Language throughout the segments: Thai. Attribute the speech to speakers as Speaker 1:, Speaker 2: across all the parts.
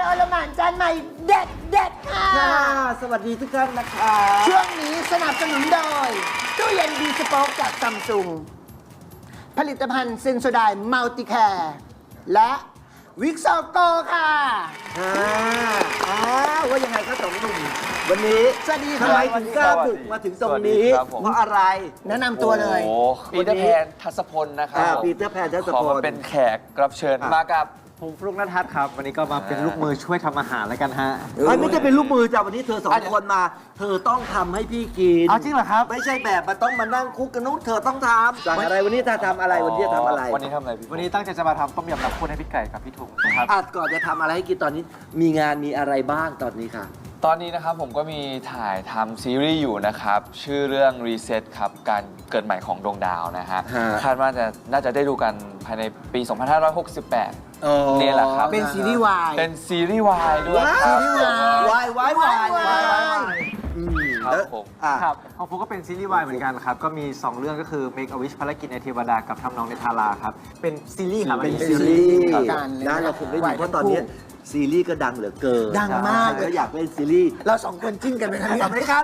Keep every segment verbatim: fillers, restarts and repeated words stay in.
Speaker 1: ลหม่านจานใหม่เด็ดเด็ดค่ะ
Speaker 2: สวัสดีทุกท่านนะคะ
Speaker 1: ช่วงนี้สนับสนุนโดยตู้เย็นดีสป็อกจากซัมซุงผลิตภัณฑ์เซนโซไดมัลติแคร์และวิกซอโกค่ะ
Speaker 2: อ่าอ้าวว่ายังไงครับสองหนุ่มวันนี้
Speaker 1: สวัสดี
Speaker 2: ทำ
Speaker 1: ค่ะ
Speaker 2: ไมถึงกล้าบุกมาถึงตรงนี้
Speaker 3: สวัสดีครับผม
Speaker 2: เพราะอะไร
Speaker 1: แนะนำตัวเลย
Speaker 3: โอ้โหปีเตอร์แพนทัศพลนะครับ
Speaker 2: อ่า
Speaker 3: ผม
Speaker 2: ปีเตอร์แพนทัศพล
Speaker 3: ขอมาเป็นแขกรับเชิญ
Speaker 2: อ่ะ
Speaker 3: มากับ
Speaker 4: ผมฟลุกนทัศน์ครับ วันนี้ก็มาเป็นลูกมือช่วยทำอาหารแล้วกันฮะ
Speaker 2: ไอ้ไม่ใช่เป็นลูกมือจ้ะวันนี้เธอสอง
Speaker 3: อ่ะเดี๋ยว
Speaker 2: คนมา เธอต้องทำให้พี่กิน
Speaker 4: เอาจริงเหรอครับ
Speaker 2: ไม่ใช่แบบมาต้องมานั่งคุกกันนู้นเธอต้องทำสั่งอะไรวันนี้เธอทำอะไรวันนี้จะทำอะไร
Speaker 3: วันนี้ทำอะไรพี่
Speaker 4: วันนี้ตั้งใจจะมาทำต้มยำน้ำข้นให้พี่ไก่กับพี่ถุงนะครับ
Speaker 2: อาจก่อนจะทำอะไรให้กินตอนนี้ มีงานมีอะไรบ้างตอนนี้ค่ะ
Speaker 3: ตอนนี้นะครับผมก็มีถ่ายทำซีรีส์อยู่นะครับ ชื่อเรื่อง Reset ครับ การเกิดใหม่ของดวงดาวนะฮะ
Speaker 2: ฮะ
Speaker 3: คาดว่าจะน่าจะได้ดูกันภายในปี สองพันห้าร้อยหกสิบแปด นี่แหละครับ
Speaker 1: เป็นซีรีส์วาย
Speaker 3: เป็นซีรีส์วายด้วยค
Speaker 2: ซี
Speaker 3: รับ
Speaker 2: รีส์วายวายวายวายวายอืม
Speaker 3: ครับ
Speaker 2: แล้ว
Speaker 3: ผม
Speaker 2: อ่ะ
Speaker 4: ครับของฟลุกก็เป็นซีรีส์วายเหมือนกันครับ ก็มี สอง เรื่องก็คือ Make a Wish ภารกิจในเทวดากับทำนองในทาราครับ เป็นซีรีส์ครับ
Speaker 2: เป็น
Speaker 4: อั
Speaker 2: ซีรีส์
Speaker 1: ครับการเลย
Speaker 2: นะเราคงได้ดูเพราะตอนนี้ซีรีส์ก็ดังเหลือเกิน
Speaker 1: ดังมาก
Speaker 2: ใครก็อยากเล่นซีรีส์
Speaker 1: เราสองคนจิ้นกันไหมครับ
Speaker 2: ทำไหมครับ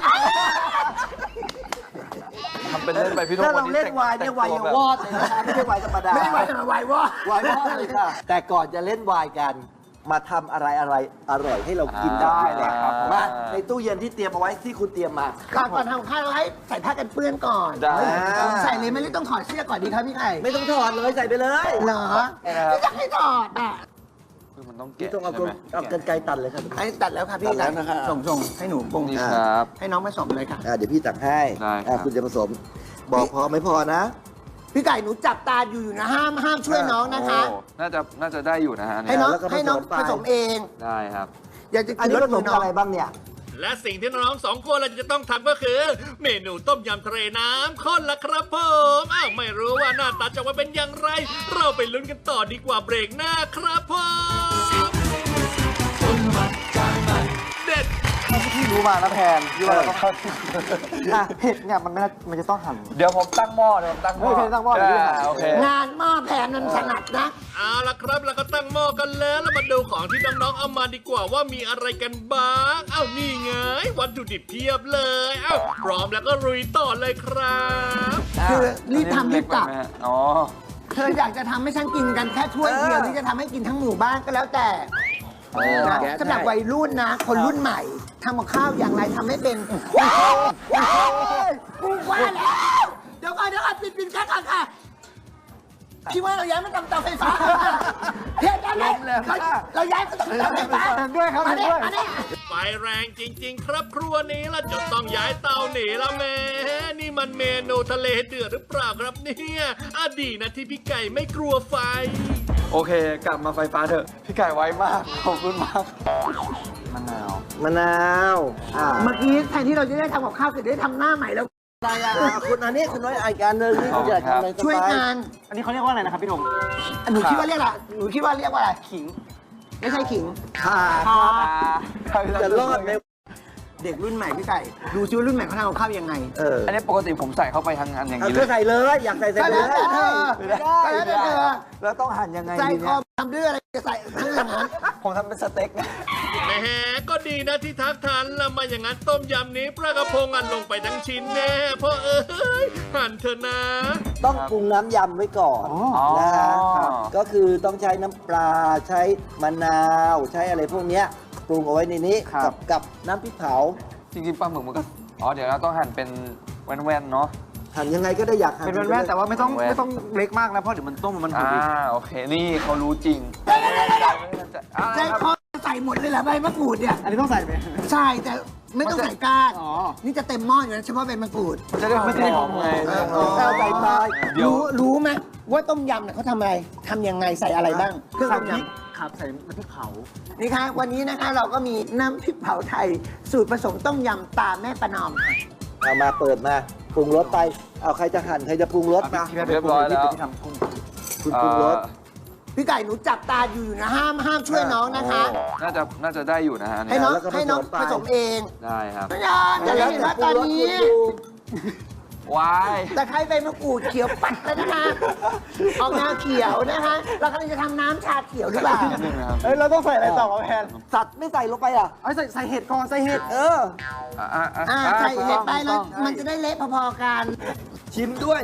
Speaker 3: ทำเป็นเล่นไปพี่โท
Speaker 2: ถ้า
Speaker 3: วั
Speaker 2: เรา
Speaker 3: นนี้
Speaker 2: เล่น
Speaker 3: แต่ง
Speaker 2: วายเนี่ย
Speaker 3: แต่ง
Speaker 2: วาย
Speaker 3: ตัว
Speaker 2: ยัง
Speaker 3: แบบ
Speaker 2: วอดเลยนะคะไม่ใช่วายธรรมดา
Speaker 1: ไม่ได้วายธรรมดาวายวอด
Speaker 2: วายวอดเลยค่ะแต่ก่อนจะเล่นวายกัน มาทำอะไรอะไรอร่อยให้เรากินได้
Speaker 3: อ่า
Speaker 2: เลยครับมาในตู้เย็นที่เตรียมเอาไว้ที่คุณเตรียมมา
Speaker 1: ก่อนก่อนทำข้าวให้ใส่ผ้ากันเปื้อนก่อน
Speaker 3: ได้
Speaker 1: ผมใส่เลยไม่ได้ต้องถอดเสื้อก่อนดีครับพี่ไข่
Speaker 2: ไม่ต้องถอดเลยใส่ไปเลย
Speaker 1: เหรอ
Speaker 3: นะครับ
Speaker 1: ไม่อยากให้ถอดอ่ะ
Speaker 3: คือมันต้อง
Speaker 2: พี่
Speaker 3: แกะ
Speaker 2: ต้องเอา
Speaker 3: ใช่ไหม
Speaker 2: เอากันไกรตัดเลยครับ
Speaker 1: ไอ้ตัดแล้วค่ะพี่
Speaker 2: ตัดแล้วนะครับ
Speaker 1: ส่งส่งให้หนูปรุง
Speaker 3: นี่ครับ
Speaker 1: ให้น้องผสมเลยค่ะ
Speaker 2: อ่าเดี๋ยวพี่ตักให้
Speaker 3: ได้ครับ
Speaker 2: อ่าคุณจะผสม บอกพอไม่พอนะ
Speaker 1: พี่ไก่หนูจับตาอยู่อยู่นะห้ามห้ามช่วยน้องนะคะ
Speaker 3: โอ้น่าจะน่าจะได้อยู่นะฮะ
Speaker 1: ให้
Speaker 3: เนี่ย
Speaker 1: น้อง
Speaker 2: แล้วก็ผสม
Speaker 1: ให้น้อง
Speaker 2: ไป
Speaker 1: ผสมเอง
Speaker 3: ได้ครับ
Speaker 1: อยากจะ
Speaker 2: อัน
Speaker 1: กิน
Speaker 2: นี้
Speaker 1: ร
Speaker 2: ผ
Speaker 1: ส
Speaker 2: ส
Speaker 1: มื
Speaker 2: ม
Speaker 1: อน้อ
Speaker 2: อะ
Speaker 1: ง
Speaker 2: ไรบ้างเนี่ย
Speaker 5: และสิ่งที่น้องๆสองคนเราจะต้องทำก็คือ เมนูต้มยำทะเลน้ำข้นละครับผมอ้าวไม่รู้ว่าหน้าตาจะว่าเป็นอย่างไร เราไปลุ้นกันต่อดีกว่าเบรกหน้าครับผมเด็ด
Speaker 4: ที่รู้มานะแพนที่ว่าเราต้องเข้าอ่ะเผ็ดเนี่ยมันไม่น่ามันจะต้องหั่น
Speaker 3: เดี๋ยวผมตั้งหม้อเดี๋ยวผมตั้งหม้อ
Speaker 4: เฮ้ยตั้งหม้อเดี๋ยวพี่หา
Speaker 3: โอเค
Speaker 1: งานหม้อแผนมันถนัดนะ
Speaker 5: เอาละครับเราก็ตั้งหม้อกันแล้วแล้วมาดูของที่น้องๆเอามาดีกว่าว่ามีอะไรกันบ้างเอ้านี่ไงวัตถุดิบเพียบเลยเอ้าพร้อมแล้วก็ลุยต่อเลยครับ
Speaker 1: คือรีบทำรีบกลับ
Speaker 3: เล็ไปไหมฮะอ๋อ
Speaker 1: เธออยากจะทำให้ฉันกินกันแค่ถ้วยเดียว
Speaker 2: เออ
Speaker 1: หรือจะทำให้กินทั้งหมู่บ้านก็แล้วแต่
Speaker 2: เออ
Speaker 1: นะ
Speaker 2: แก๊ส
Speaker 1: สำหรับ
Speaker 2: ให้
Speaker 1: วัยรุ่นนะ คนรุ่นใหม่ทำกับข้าวอย่างไรทำให้เป็นว้าวว้าวกูว่าแล้วเดี๋ยวก่อนเดี๋ยวก่อนปิดปิดแค่ก่อนค่ะพี่ว่าเราย้ายมาทำเตาไฟฟ้าเพี้ยนกันเลยเราเราย้ายมาทำเตาไฟฟ้า
Speaker 4: เห็นด้วยครับ
Speaker 1: มา
Speaker 4: เห็น
Speaker 1: เนี่
Speaker 4: ด้วย
Speaker 1: มาเนี่ย
Speaker 5: ไฟแรงจริง ๆ ครับครัวนี้ละจนต้องย้ายเตาหนีแล้วแม่นี่มันเมนูทะเลเดือดหรือเปล่าครับเนี่ยอะดีนะที่พี่ไก่ไม่กลัวไฟ
Speaker 3: โอเค กลับมาไฟฟ้าเถอะ พี่ไก่ไวมาก ขอบคุณมาก
Speaker 4: มะนาว
Speaker 2: มะนาวอ่า
Speaker 1: เมื่อกี้แทนที่เราจะได้ทำกับข้าวเสร็จได้ทำหน้าใหม่แล้ว
Speaker 2: อะไรอ่ะคุณอันนี้คุณน้อยอีกอันหนึงนี่คุณอยากทำอะไรสบา
Speaker 1: ช่วยงาน
Speaker 4: อันนี้เขาเรียกว่าอะไรนะครับพี่ธง
Speaker 1: หนูคิดว่าเรียกอะไรหนูคิดว่าเรียกว่าอะไรขิง ไม่ใช่ขิง
Speaker 2: ขาครับจะรอดไหม
Speaker 1: เด็กรุ่นใหม่พี่ไก่ดูซิว่ารุ่นใหม่เขาทำกับข้าวยังไง
Speaker 2: เออ
Speaker 3: อันนี้ปกติผมใส่เข้าไปทางอันอย่าง
Speaker 2: เอา
Speaker 3: นี้
Speaker 2: เธ
Speaker 3: เล
Speaker 2: อย ใส่เลยอยากใส่ใส่
Speaker 1: ก็
Speaker 2: เล
Speaker 1: แล้ว
Speaker 2: ย
Speaker 1: แต่เธอ
Speaker 2: ไม่ได้
Speaker 1: ก็แล้วแต่เธอ
Speaker 2: แล้วต้องหั่นยังไง
Speaker 1: ใจ
Speaker 2: ดี
Speaker 1: ค
Speaker 2: เนี่
Speaker 1: อย ทำด้วยอะไรจะใส่ทั้งอย่างนั้น
Speaker 3: ผมทำเป็นสเต็กนะ
Speaker 5: แหมก็ดีนะที่ทักทันแล้วไมาอย่างนั้นต้มยำนี้ปลากระพงอันลงไปทั้งชิ้นแน่พ่อเอ้ยหั่นเถอะนะ
Speaker 2: ต้องปรุงน้ำยำไว้ก่อน
Speaker 3: อ๋อ
Speaker 2: นะฮะ
Speaker 3: ครับ
Speaker 2: ก็คือต้องใช้น้ำปลาใช้มะนาวใช้อะไรพวกเนี้ยปรุงเอาไว้ในนี้กับกับน้ำพริกเผา
Speaker 3: จริงๆปลาหมึกมันก็ อ๋อ เดี๋ยวเราต้องหั่นเป็นแว่นๆ เนาะ
Speaker 2: หั่นยังไงก็ได้อยากหั่น
Speaker 4: เป็นแว่นๆแต่ว่าไม่ต้อง
Speaker 3: แว่น
Speaker 4: ไม่ต้องเล็กมากนะ เพราะเดี๋ยวมันต้มมันหด
Speaker 3: อ่า
Speaker 4: อีก
Speaker 3: โอเค นี่เขารู้จริง
Speaker 1: ใจคอใส่หมดเลยแหละใบมะกรูดเนี่ย
Speaker 4: อันนี้ต้องใส่ไหม
Speaker 1: ใช่แต่ไม่ต้องใส่ก้าน
Speaker 4: อ๋อ
Speaker 1: นี่จะเต็มหม้ออยู่นะเฉพาะใบมะกรูด
Speaker 3: จะได้หอมๆไง
Speaker 1: เออ
Speaker 2: แค่ใส่ตาย
Speaker 3: เดี๋ยว
Speaker 1: รู้รู้ไหมว่าต้มยำเนี่ยเขาทำอะไรทำยังไงใส่อะไรบ้างเครื่อง
Speaker 4: ใส่
Speaker 1: ต้ม
Speaker 4: พริก
Speaker 1: ยำ
Speaker 4: ครับใส่น้ำพริกเผา
Speaker 1: นี่คะวันนี้นะคะเราก็มีน้ำพริกเผาไทย สูตรผสมต้มยำตาแม่ประนอมค่ะ
Speaker 2: เอามาเปิดมาปรุงรสไป เอาใครจะหั่นใครจะปรุงรสมา
Speaker 4: ที่แม่
Speaker 3: เรียบร้อยแล้ว
Speaker 4: ที่ทำกุ้ง
Speaker 2: คุณปรุงรส
Speaker 1: พี่ไก่หนูจับตาอยู่อยู่นะห้ามห้ามช่วยน้องนะคะ
Speaker 3: โอ้น่าจะ น่าจะได้อยู่นะฮะ
Speaker 1: ให้
Speaker 3: เนี่ย
Speaker 1: น้อง
Speaker 2: แล้วก็ผสม
Speaker 1: ให้น้อง
Speaker 2: ไป
Speaker 1: ผสมเอง
Speaker 3: ได้ครับ
Speaker 1: ไม่ยอมอย่าได้เห็นว่าตอนนี้
Speaker 3: วาย
Speaker 1: ตะไคร้ใบมะกรูดเขียวปัดแล้วนะคะออกแนวเขียวนะคะเรากำลังจะทำน้ำชาเขียวหรือเปล่า
Speaker 3: นิดนึงนะครับ
Speaker 4: เฮ้ย เราต้องใส่อะไรต่อมาแพน
Speaker 2: สัตว์ไม่ใส่ลงไปอ่ะ
Speaker 4: เอ้ยใส่ใส่เห็ดก่อนใส่เห็ด
Speaker 2: เออ
Speaker 3: อ่ะอ่ะอ่ะ
Speaker 1: อ่าใส่เห็ดไปแล้วมันจะได้เละพอๆกัน
Speaker 2: ชิมด้วย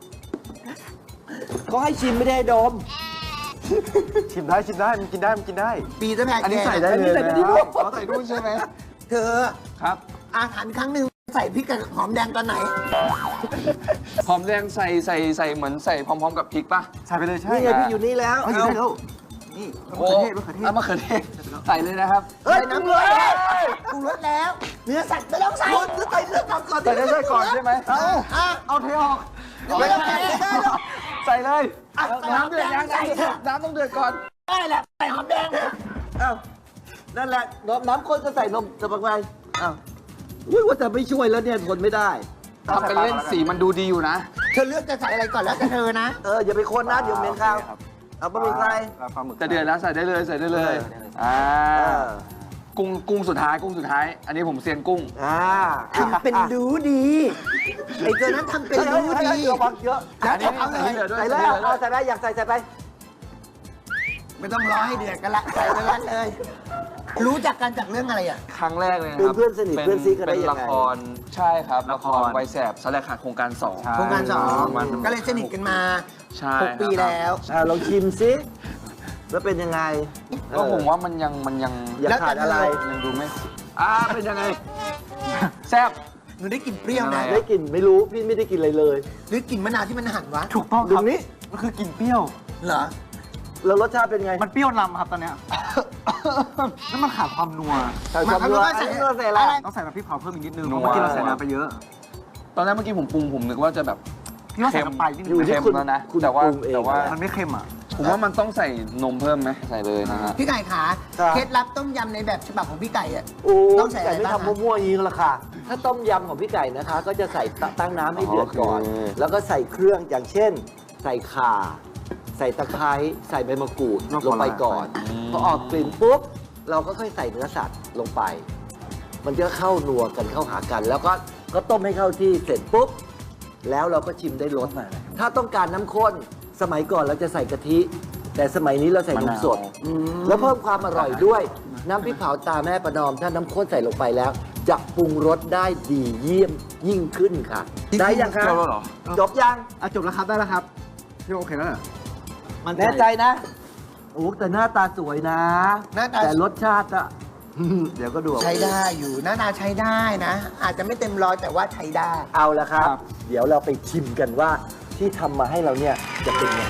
Speaker 2: เขาให้ชิมไม่ได้ให้ดม
Speaker 4: ชิมได้ชิมได้มันกินได้มันกินได้
Speaker 1: ปีเตอร์แพน
Speaker 3: อันนี้ใส่ได้
Speaker 2: อัน
Speaker 3: เล
Speaker 2: นี้
Speaker 3: ย
Speaker 2: ใส่
Speaker 3: นะ
Speaker 2: ไปที่
Speaker 3: ค
Speaker 2: ลู
Speaker 3: รับ
Speaker 2: ก
Speaker 3: อ๋อใส่ด้วยใช่ไหม
Speaker 1: เธอ
Speaker 3: ครับ
Speaker 1: อาหารครั้งหนึ่งใส่พริกกับหอมแดงตอนไหน
Speaker 3: หอมแดงใส่ใส่ใส่เหมือนใส่พร้อมๆกับพริกป่ะ
Speaker 4: ใส่ไปเลยใช่
Speaker 2: นี่ไงพี่อยู่นี่แล้ว
Speaker 4: เอาอยู่ได้แล้วนี่มะ
Speaker 3: โอ้
Speaker 4: เขือเทศมะเขือเทศ
Speaker 3: เอามะเขือเทศใส่เลยนะครับ
Speaker 1: ใส่น้ำเลยปรุงรสแล้ว เนื้อสัตว์ไม่ต้องใส่ใส่เนื้อสัตว์ก่อน
Speaker 3: ใส่ได้ก่อนใช่ไหม
Speaker 1: เอออ่ะ
Speaker 4: เอาเทออก
Speaker 1: ไม่ต้องใส่ได้หรอก
Speaker 3: ใส่เลย
Speaker 1: อ่ะใส่หอมแดงใส่เถอะ
Speaker 3: น้ำต้องเดือดก่อน
Speaker 1: ได้แหละใส่หอมแดง
Speaker 2: อ้าวนั่นแหละน้ำน้ำข้นก็ใส่นมจะปักไงอ้าวอุ้ยว่าแต่ไม่ช่วยแล้วเนี่ยทนไม่ได้
Speaker 3: ทำเป็นเล่นสีมันดูดีอยู่นะ
Speaker 1: เธอเลือกจะใส่อะไรก่อนแล้วแต่เธอนะ
Speaker 2: เอออย่าไปคนนะเดี๋ยวเหม็นข้าวเอาบะหมี่ใส่
Speaker 4: แล้วปลาหมึก
Speaker 3: จะเดือดแล้วใส่ได้เลยใส่ได้เลย อ่า
Speaker 2: เออ
Speaker 3: กุ้งกุ้งสุดท้ายกุ้งสุดท้าย อันนี้ผมเซียนกุ้ง
Speaker 2: อ่า
Speaker 1: ทำเป็นรู้ดีไอ้ตัวนั้นทำเป็นรู้ดี
Speaker 2: ระวังเยอะ
Speaker 1: แล้วจะเอาเลย
Speaker 3: ใส่
Speaker 2: ใส่
Speaker 3: เล
Speaker 2: เลย ยเอาใส่ไปอยากใส่ใส่ไป
Speaker 1: ไม่ต้องรอให้เดือดกันละใส่ไปแล้วเลย รู้จักกันจากเรื่องอะไรอ่ะ
Speaker 3: ครั้งแรกเลยนะ
Speaker 2: เป็น
Speaker 3: ครับ
Speaker 2: เพื่อนสนิทเพื่อนซีกันได้
Speaker 3: เป็น
Speaker 2: ยัง
Speaker 3: ละ
Speaker 2: ไง
Speaker 3: ครใช่ครับละครวัยแสบสแลกขาดโครงการสอง
Speaker 1: โครงการสอง
Speaker 3: มัน
Speaker 1: ก็เลยสนิทกันมา
Speaker 3: ใช่
Speaker 1: หกปีแล้ว
Speaker 2: อ่าลองชิมซิแล้วเป็นยังไง
Speaker 3: ก็ผมว่ามันยังมันยัง
Speaker 2: อยากขาดอะไร
Speaker 3: ยังดูไม่อ่าเป็นยังไงแซ่บ
Speaker 1: หนูได้กลิ่นเปรี้ยวนะ
Speaker 3: อะไร
Speaker 2: ได้กลิ่นไม่รู้พี่ไม่ได้กินอะไรเลย
Speaker 1: หรือกลิ่นมะนาวที่มันหั่นวะ
Speaker 4: ถูกต้องค
Speaker 2: ตร
Speaker 4: รับ
Speaker 2: งนี้
Speaker 4: มันคือกลิ่นเปรี้ยว
Speaker 1: เหรอ
Speaker 2: แล้วรสชาติเป็นไง
Speaker 4: มันเปรี้ยวนำครับตอนเนี้ย แล้วมันขาดความนัว
Speaker 2: ใส่ความนัว
Speaker 1: มันก็ใส่
Speaker 2: อันนี้เราใส่อะไร
Speaker 4: ต้องใส่น้ำพริกเผาเพิ่มอีกนิดนึง
Speaker 3: นั
Speaker 4: เพ
Speaker 3: ว
Speaker 4: ราะเมื่อกี้เราใส่น้ำไปเยอะ
Speaker 3: ตอนแรกเมื่อกี้ผมปรุงผมนึกว่าจะแบบ
Speaker 4: พี่ว่าใส่น้ำปลาอีกนิด
Speaker 2: อยู่
Speaker 4: นึง
Speaker 2: ที่
Speaker 3: เค็ม
Speaker 2: คุณ
Speaker 3: แล้วนะ
Speaker 2: คุณ
Speaker 3: แต่ว่า
Speaker 2: ปรุงเอง
Speaker 3: แต่ว่า
Speaker 4: มันไม่เค็มอ่ะ
Speaker 3: ผมว่ามันต้องใส่นมเพิ่มไหมใส่เลยนะฮะ
Speaker 1: พี่ไก่ขา
Speaker 2: ครับ
Speaker 1: เคล็ดลับต้มยำในแบบฉบับของพี่ไก่อ่ะ
Speaker 2: โอ้
Speaker 1: ต้องใส่อะไร
Speaker 2: ไก่ไม่
Speaker 1: บ้าง
Speaker 2: ทำมั่วๆอย่างนี้ก็ละค่ะ ถ้าต้มยำของพี่ไก่นะคะ ก็จะใส่ตตั้งน้ำให้เดือดก่อน
Speaker 3: โอเค
Speaker 2: แล้วก็ใส่เครื่องอย่างเช่น ใส่ข่า ใส่ตะไคร้ใส่ใบมะกรูดลงไปก่อน พอออกกลิ่นปุ๊บ เราก็ค่อยใส่เนื้อสัตว์ลงไป มันจะเข้านัวกันเข้าหากัน แล้วก็ก็ต้มให้เข้าที่เสร็จปุ๊บ แล้วเราก็ชิมได้รสถ้าต้องการน้ำข้น สมัยก่อนเราจะใส่กะทิ แต่สมัยนี้เราใส่นมสด แล้วเพิ่มความอร่อยด้วย น้ำพริกเผาตาแม่ประนอม ถ้าน้ำข้นใส่ลงไปแล้ว จะปรุงรสได้ดีเยี่ยมยิ่งขึ้นค่ะ ได้ยังคะ
Speaker 3: จบแล้วเหรอ
Speaker 2: จบยัง
Speaker 4: อ่ะจบแล้วครับได้แล้วครับ พี่โอเคแล้วเหรอ
Speaker 2: แน่ใจนะ โอ้แต่หน้าตาสวยนะ
Speaker 1: หน้าตา
Speaker 2: แต่รสชาติอะ เดี๋ยวก็ดูเอา
Speaker 1: ใช้ได้อยู่หน้าตาใช้ได้นะ อาจจะไม่เต็มร้อยแต่ว่าใช้ได้
Speaker 2: เอาละครับ
Speaker 4: ครับ
Speaker 2: เดี๋ยวเราไปชิมกันว่าที่ทำมาให้เราเนี่ยจะเป็นยังไง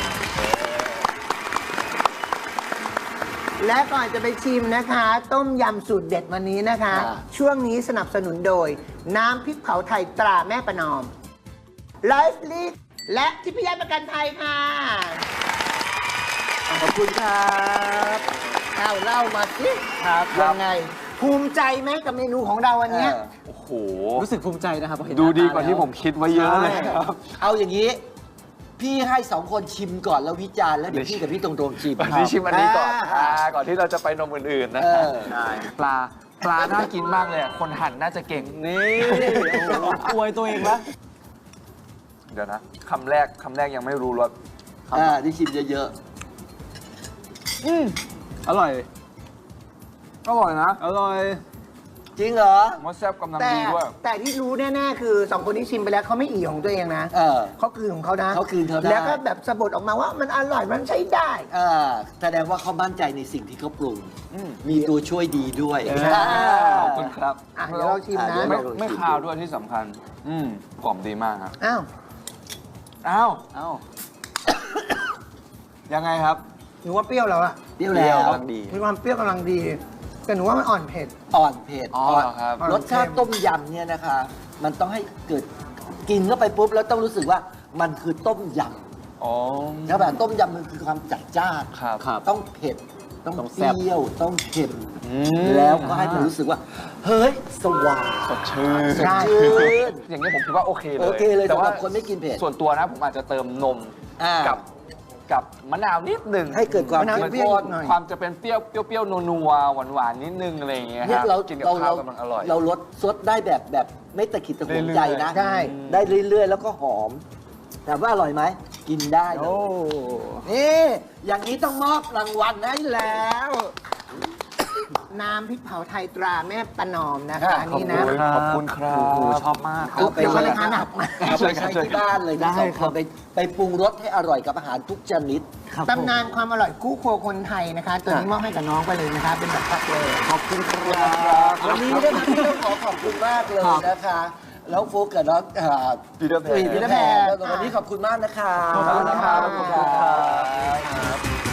Speaker 1: และก่อนจะไปชิมนะคะ ต้มยำสูตรเด็ดวันนี้นะคะ
Speaker 2: อ่า
Speaker 1: ช่วงนี้สนับสนุนโดย น้ำพริกเผาไทยตราแม่ประนอมไลฟ์ลีและทิพยประกันภัยค่ะ
Speaker 2: ขอบคุณครับ
Speaker 1: เอาเล่ามาสิ
Speaker 2: ครับ
Speaker 1: ยังไง ภูมิใจไหมกับเมนูของเราวันเนี้ย
Speaker 2: เออ
Speaker 3: โอ้โห
Speaker 4: รู้สึกภูมิใจนะครับพอเห็น
Speaker 3: ดู
Speaker 4: หน้
Speaker 3: ดี
Speaker 4: ต
Speaker 3: กว่าที่ผมคิดไว้เยอะเลยครับ
Speaker 2: เอาอย่างนี้ พี่ให้สองคนชิมก่อนแล้ววิจารณ์แล้วเดี๋ยวพี่กับพี่ตรงๆชิม
Speaker 3: วันนี้ชิมอันนี้ก่อน
Speaker 2: อ่า
Speaker 3: อ่าก่อนที่เราจะไปนมอื่นๆนะ
Speaker 2: เออ
Speaker 3: ใช่ปลาปลาน่ากินมากเลยอะคนหั่นน่าจะเก่ง
Speaker 2: นี่
Speaker 4: อวยตัวเองละ
Speaker 3: เดี๋ยวนะคำแรกคำแรกยังไม่รู้รส
Speaker 2: อ่าที่ชิมเยอะ
Speaker 3: อืมอร่อย อร่อยนะ
Speaker 4: อร่อย
Speaker 2: ๆ จริงเหรอ
Speaker 3: มสแซ่บกำลัง
Speaker 1: แต่
Speaker 3: ดีด้วย
Speaker 1: แต่ที่รู้แน่ๆคือสองคนที่ชิมไปแล้วเขาไม่อีของตัวเองนะ
Speaker 2: เออ
Speaker 1: เขาคืนของเขานะ
Speaker 2: เขาคืนเขาได้
Speaker 1: แล้วก็แบบสะบัดออกมาว่ามันอร่อยมันใช้ได้
Speaker 2: อ่าแสดงว่าเขามั่นใจในสิ่งที่เขาปรุง
Speaker 3: อืม
Speaker 2: มีตัวช่วยดีด้วย
Speaker 3: เออ
Speaker 2: อ่า
Speaker 3: ขอบคุณครับ
Speaker 1: อ่ะเดี๋ยวเราชิมนะ
Speaker 2: อ่ะเดี๋ยว
Speaker 3: ไม่
Speaker 2: เรา
Speaker 3: ไม่คาวด้วยที่สำคัญ อืมกล่อมดีมากครับ
Speaker 1: อ้าว
Speaker 3: อ้าวอ้าวยังไงครับ
Speaker 1: หนูว่าเปรี้ยวแล้วอะ
Speaker 2: เปรี้ยวแล้ว
Speaker 3: กำลังดี
Speaker 1: มีความเปรี้ยวกำลังดี แต่หนูว่ามันอ่อนเผ็ด
Speaker 2: อ่อนเผ็ด
Speaker 3: อ๋อ
Speaker 2: อ่อน
Speaker 3: ครับ
Speaker 2: รสชาติต้มยำเนี่ยนะคะ มันต้องให้เกิดกินเข้าไปปุ๊บแล้วต้องรู้สึกว่ามันคือต้มย
Speaker 3: อ๋อ
Speaker 2: ำแล้วแบบต้มยำมันคือความจัดจ้าน
Speaker 3: ครับ
Speaker 2: ต้องเผ็ดต้อง
Speaker 4: ต้อง
Speaker 2: เป
Speaker 4: แซ่บ
Speaker 2: รี้ยวต้องเค็ม
Speaker 3: อืม
Speaker 2: แล้วก็ให้มันรู้สึกว่า เฮ้ย สว่าง
Speaker 3: สดชื่น
Speaker 2: สดชื่น
Speaker 3: อย่างนี้ผมคิดว่าโอเคเลย
Speaker 2: โอเคเลย
Speaker 3: แต่
Speaker 2: สำห
Speaker 3: ว่า
Speaker 2: รับคนไม่กินเผ็ด
Speaker 3: ส่วนตัวนะผมอาจจะเติมนม
Speaker 2: อ่า
Speaker 3: กับกับมะนาวนิดหนึ่ง
Speaker 2: ให้เกิดความ
Speaker 1: มะนาว
Speaker 2: เข้ม
Speaker 1: เปรี้ยว
Speaker 2: ข้น
Speaker 1: หน่อย
Speaker 3: ความจะเป็นเปรี้ยวเปรี้ยวๆนัวๆหวานๆนิดนึงอะไรอย่างเงี้ย
Speaker 2: เนี่ย
Speaker 3: ครับ
Speaker 2: เรา
Speaker 3: กินกับ
Speaker 2: เรา
Speaker 3: ข้า
Speaker 2: เรา
Speaker 3: วกำลังอร่อย
Speaker 2: เราลดซดได้แบบแบบไม่ตะขิดตะขวงใจนะ
Speaker 1: ได้
Speaker 2: ได้เรื่อยๆ แล้วก็หอมแต่ว่าอร่อยไหมกินได้เลยนี่อย่างนี้ต้องมอบรางวัลให้แล้ว
Speaker 1: น้ำพริกเผาไทยตราแม่ประนอมนะคะอันนี้นะ
Speaker 3: ขอบคุณครับ
Speaker 4: โอ้โหชอบมากครับ
Speaker 2: เอาไป
Speaker 1: เดี๋ยว
Speaker 2: เล
Speaker 1: ก็
Speaker 2: ย
Speaker 1: เลยทานหนักมา
Speaker 2: เอาไปใช้ที่บ้านเลยนะสองคนไปไปปรุงรสให้อร่อยกับอาหารทุกชนิด
Speaker 1: ตำนานความอร่อยคู่ครัวคนไทยนะคะ ตัวนี้มอบให้กับน้องไปเลยนะคะ เป็นแบบพักเลย
Speaker 2: ขอบคุณครับวันนี้นะคะพี่ต้องขอขอบคุณมากเลยนะคะ แล้วฟุกกับน้องอ่า
Speaker 3: ปีเตอร์แพน
Speaker 2: ปีเตอร์แพนวันนี้ขอบคุณมากนะคะ
Speaker 1: ขอบคุณนะครับ
Speaker 2: ขอบคุณครับ